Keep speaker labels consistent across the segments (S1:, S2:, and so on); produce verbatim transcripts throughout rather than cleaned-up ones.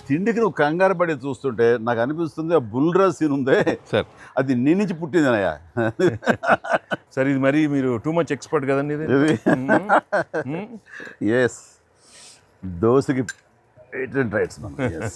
S1: తిండికి నువ్వు కంగారు పడి చూస్తుంటే నాకు అనిపిస్తుంది ఆ బుల్రాజ్ సీన్ ఉందే
S2: సార్
S1: అది నీ నుంచి పుట్టిందనయ్యా.
S2: సార్ ఇది మరి మీరు టూ మచ్ ఎక్స్పర్ట్ కదండి ఇది.
S1: ఎస్ దోశకి పేటెంట్ రైట్స్ మనం. ఎస్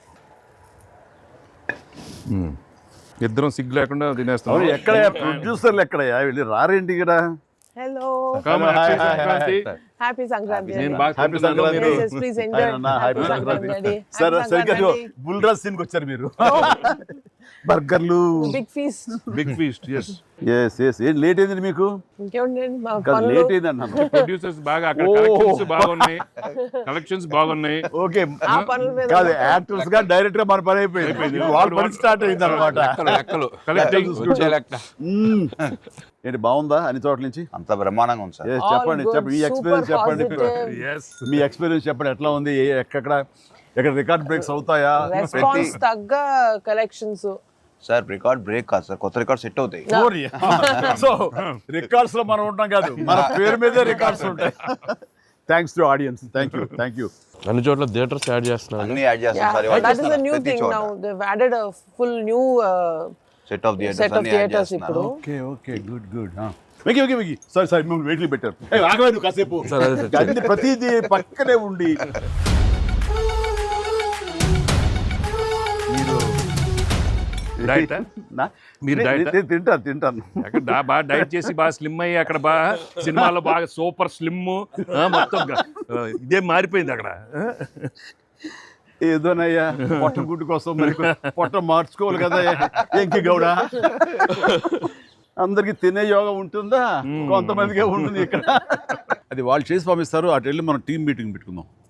S2: ఇద్దరం సిగ్గు లేకుండా తినేస్తాం.
S1: అవును ఎక్కడయ్యా ప్రొడ్యూసర్లు ఎక్కడయ్యా వెళ్ళి రారేంటి ఇక్కడ?
S3: Hello.
S2: Come, happy Sankranti.
S3: Happy Sankranti.
S2: నేను బాగా
S1: హ్యాపీ
S2: తింటున్నాను,
S1: సంక్రాంతి.
S2: మీరు-
S3: Yes, yes, please enjoy.
S1: Happy
S3: Happy
S1: Sankranti.
S3: Sankranti.
S1: సరే
S3: Happy
S1: సరిగ్గా
S3: Sankranti.
S1: బుల్రాజ్ సీన్కి వచ్చారు మీరు. బర్గర్లు
S3: Big feast.
S2: Big feast. Yes
S1: yes yes ఏం లేట్ అయింది మీకు?
S3: ఇంకేముంది మా
S1: కాదు
S3: పనులు.
S1: లేట్ అయింది అన్నాను.
S2: ప్రొడ్యూసర్స్ బాగా అక్కడ
S1: ఓ.
S2: కలెక్షన్స్ బాగున్నాయి, కలెక్షన్స్ బాగున్నాయి.
S1: ఓకే
S3: ఆ పనుల మీద
S1: కాదు యాక్టర్స్ గా డైరెక్టర్ గా మన పని అయిపోయింది. వాళ్ళ పని స్టార్ట్ అయింది అనమాట.
S4: లెక్కలు
S2: కలెక్టింగ్
S4: వచ్చే లెక్క
S1: ఏంటి బాగుందా అన్ని చోట్ల నుంచి?
S4: అంత బ్రహ్మాండంగా ఉంది సార్.
S1: Yes,
S3: All
S1: చెప్పండి
S3: good,
S1: చెప్పండి మీ
S3: super
S1: ఎక్స్పీరియన్స్ చెప్పండి.
S3: positive.
S2: ఎస్
S1: మీ ఎక్స్పీరియన్స్ చెప్పండి ఎట్లా ఉంది? ఏ- ఎక్కడ ఎక్కడ రికార్డ్ బ్రేక్స్ అవుతాయా?
S3: రెస్పాన్స్ తగ్గ కలెక్షన్స్.
S4: సార్ రికార్డ్ బ్రేక్ కాదు సార్, కొత్త రికార్డ్ సెట్ అవుతాయి.
S1: సో రికార్డ్స్ లో మనం ఉంటాం కాదు, మన పేరు మీదే రికార్డ్స్ ఉంటాయి. Thanks to audience. Thank you thank you.
S5: అన్ని చోట్ల థియేటర్స్ యాడ్ చేస్తున్నారు.
S4: అన్ని యాడ్ చేస్తాం sir.
S3: That is the new thing now. They've added a full new uh,
S4: set of
S3: set
S4: theatres
S3: of
S4: అన్ని యాడ్
S3: theaters
S4: చేస్తున్నారు.
S3: ఇప్పుడు.
S1: Okay okay good good. వెకి వెకి వెకి సారీ సారీ మిమ్మల్ని వెయిట్లు పెట్టారు. ఆగవే నువ్వు కాసేపు.
S5: సరే, అదే సార్.
S1: అన్ని ప్రతిదీ పక్కనే ఉండి మీరు
S2: డైట్
S1: నా?
S2: మీరు
S1: నే-
S2: diet?
S1: నేను తింటాను తింటాను.
S2: అక్కడ దా- బాగా డైట్ చేసి బాగా స్లిమ్ అయ్యి అక్కడ బాగా సినిమాలో బాగా సూపర్ స్లిమ్ మొత్తం గ- ఆ, ఇదే మారిపోయింది అక్కడ.
S1: ఏదోనయ్యా పొట్ట గుడ్డు కోసం మరి పొట్ట మార్చుకోవాలి కదా ఎంకి గౌడ. అందరికి తినే యోగం ఉంటుందా? కొంతమందికే ఉంటుంది ఇక్కడ. అది వాళ్ళు చేసి పంపిస్తారు. అటు వెళ్ళి మనం టీం మీటింగ్ పెట్టుకుందాం.